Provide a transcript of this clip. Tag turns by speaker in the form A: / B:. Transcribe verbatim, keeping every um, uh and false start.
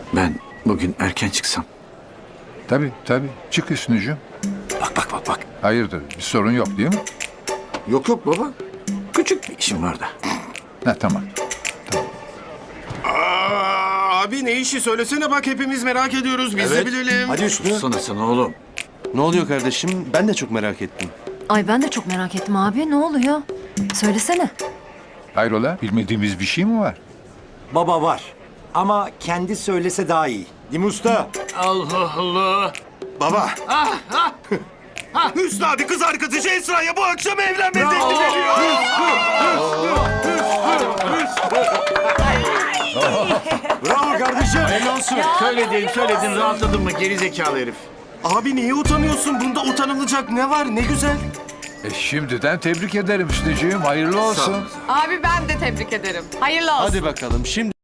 A: Ben bugün erken çıksam.
B: Tabii tabii. Çık Hüsnü'cüğüm.
A: Bak bak bak bak.
B: Hayırdır? Bir sorun yok değil mi?
A: Yok yok baba. Küçük bir işim var da.
B: Ha tamam.
C: Aa, abi ne işi söylesene bak hepimiz merak ediyoruz biz de bilelim.
D: Hadi Hüsnü.
A: Sana sana oğlum.
D: Ne oluyor kardeşim? Ben de çok merak ettim.
E: Ay ben de çok merak ettim abi. Ne oluyor? Söylesene.
B: Hayrola? Bilmediğimiz bir şey mi var?
F: Baba var. Ama kendi söylese daha iyi. Değil mi usta?
A: Allah Allah.
C: Baba. Hüsnü abi kız arkadaşı Esra'ya bu akşam evlenme teklif ediyor.
F: Bravo kardeşim.
A: Söyledin söyledin rahatladın mı geri zekalı herif.
C: Abi niye utanıyorsun? Bunda utanılacak ne var? Ne güzel.
B: E şimdiden tebrik ederim Hüsnü'cüğüm. Hayırlı olsun.
G: Abi ben de tebrik ederim. Hayırlı olsun.
D: Hadi bakalım şimdi